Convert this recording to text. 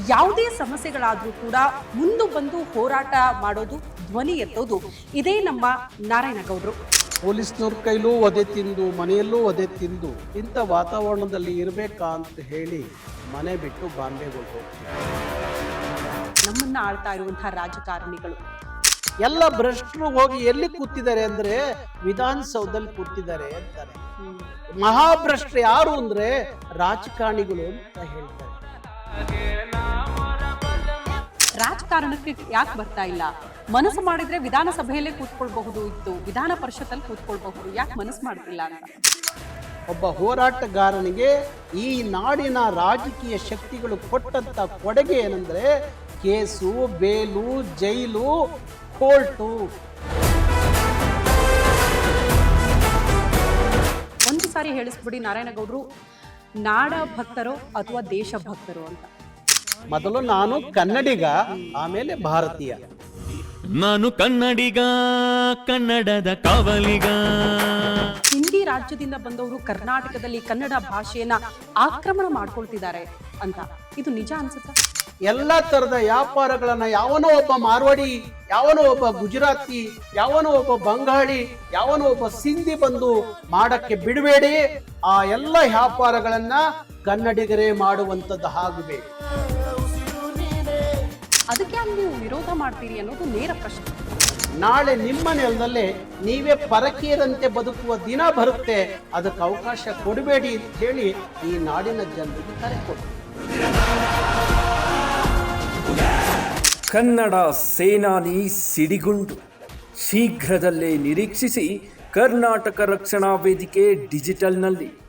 ಯಾವುದೇ ಸಮಸ್ಯೆಗಳಾದರೂ ಕೂಡ ಮುಂದೆ ಬಂದು ಹೋರಾಟ ಮಾಡೋದು, ಧ್ವನಿ ಎತ್ತೋದು ಇದೇ ನಮ್ಮ ನಾರಾಯಣಗೌಡರು. ಪೊಲೀಸ್ನವ್ರ ಕೈಲೂ ಒದೆ ತಿಂದು ಮನೆಯಲ್ಲೂ ಒದೆ ತಿಂದು ಇಂಥ ವಾತಾವರಣದಲ್ಲಿ ಇರಬೇಕಾ ಅಂತ ಹೇಳಿ ಮನೆ ಬಿಟ್ಟು ಬಾಂಬೆಗೆ ಹೋಗ್ತೀವಿ. ನಮ್ಮನ್ನ ಆಳ್ತಾ ಇರುವಂತಹ ರಾಜಕಾರಣಿಗಳು ಎಲ್ಲ ಭ್ರಷ್ಟರು ಹೋಗಿ ಎಲ್ಲಿ ಕೂತಿದ್ದಾರೆ ಅಂದ್ರೆ ವಿಧಾನಸೌಧದಲ್ಲಿ ಕೂತಿದ್ದಾರೆ ಅಂತಾರೆ. ಮಹಾಭ್ರಷ್ಟರು ಯಾರು ಅಂದ್ರೆ ರಾಜಕಾರಣಿಗಳು ಅಂತ ಹೇಳ್ತಾರೆ. ರಾಜಕಾರಣಕ್ಕೆ ಯಾಕೆ ಬರ್ತಾ ಇಲ್ಲ? ಮನಸ್ಸು ಮಾಡಿದ್ರೆ ವಿಧಾನಸಭೆಯಲ್ಲೇ ಕೂತ್ಕೊಳ್ಬಹುದು ಇತ್ತು, ವಿಧಾನ ಪರಿಷತ್ತಲ್ಲಿ ಕೂತ್ಕೊಳ್ಬಹುದು, ಯಾಕೆ ಮನಸ್ಸು ಮಾಡ್ತಿಲ್ಲ ಅಂತ. ಒಬ್ಬ ಹೋರಾಟಗಾರನಿಗೆ ಈ ನಾಡಿನ ರಾಜಕೀಯ ಶಕ್ತಿಗಳು ಕೊಟ್ಟಂತ ಕೊಡುಗೆ ಏನಂದ್ರೆ ಕೇಸು, ಬೇಲು, ಜೈಲು, ಕೋರ್ಟು. ಒಂದು ಸಾರಿ ಹೇಳಿಸ್ಬಿಡಿ ನಾರಾಯಣಗೌಡರು, ನಾಡ ಭಕ್ತರೋ ಅಥವಾ ದೇಶ ಭಕ್ತರೋ ಅಂತ. ಮೊದಲು ನಾನು ಕನ್ನಡಿಗ, ಆಮೇಲೆ ಭಾರತೀಯ. ನಾನು ಕನ್ನಡಿಗ, ಕನ್ನಡದ ಕಾವಲಿಗ. ಹಿಂದಿ ರಾಜ್ಯದಿಂದ ಬಂದವರು ಕರ್ನಾಟಕದಲ್ಲಿ ಕನ್ನಡ ಭಾಷೆಯನ್ನ ಆಕ್ರಮಣ ಮಾಡ್ಕೊಳ್ತಿದ್ದಾರೆ ಅಂತ, ಇದು ನಿಜ ಅನ್ಸುತ್ತಾ? ಎಲ್ಲ ತರದ ವ್ಯಾಪಾರಗಳನ್ನ ಯಾವನೋ ಒಬ್ಬ ಮಾರ್ವಾಡಿ, ಯಾವನೋ ಒಬ್ಬ ಗುಜರಾತಿ, ಯಾವನೋ ಒಬ್ಬ ಬಂಗಾಳಿ, ಯಾವನೋ ಒಬ್ಬ ಸಿಂಧಿ ಬಂದು ಮಾಡಕ್ಕೆ ಬಿಡಬೇಡಿ. ಆ ಎಲ್ಲ ವ್ಯಾಪಾರಗಳನ್ನ ಕನ್ನಡಿಗರೇ ಮಾಡುವಂತದ್ದು ಆಗಬೇಕು. ಅದಕ್ಕೆ ನೀವು ವಿರೋಧ ಮಾಡ್ತೀರಿ ಅನ್ನೋದು ನೇರ ಪ್ರಶ್ನೆ. ನಾಳೆ ನಿಮ್ಮ ನೆಲದಲ್ಲೇ ನೀವೇ ಪರಕೀಯರಂತೆ ಬದುಕುವ ದಿನ ಬರುತ್ತೆ. ಅದಕ್ಕೆ ಅವಕಾಶ ಕೊಡಬೇಡಿ ಅಂತ ಹೇಳಿ ಈ ನಾಡಿನ ಜನರಿಗೆ ಕರೆ ಕೊಡಿ. ಕನ್ನಡ ಸೇನಾನಿ ಸಿಡಿಗುಂಡು ಶೀಘ್ರದಲ್ಲೇ ನಿರೀಕ್ಷಿಸಿ ಕರ್ನಾಟಕ ರಕ್ಷಣಾ ವೇದಿಕೆ ಡಿಜಿಟಲ್ನಲ್ಲಿ.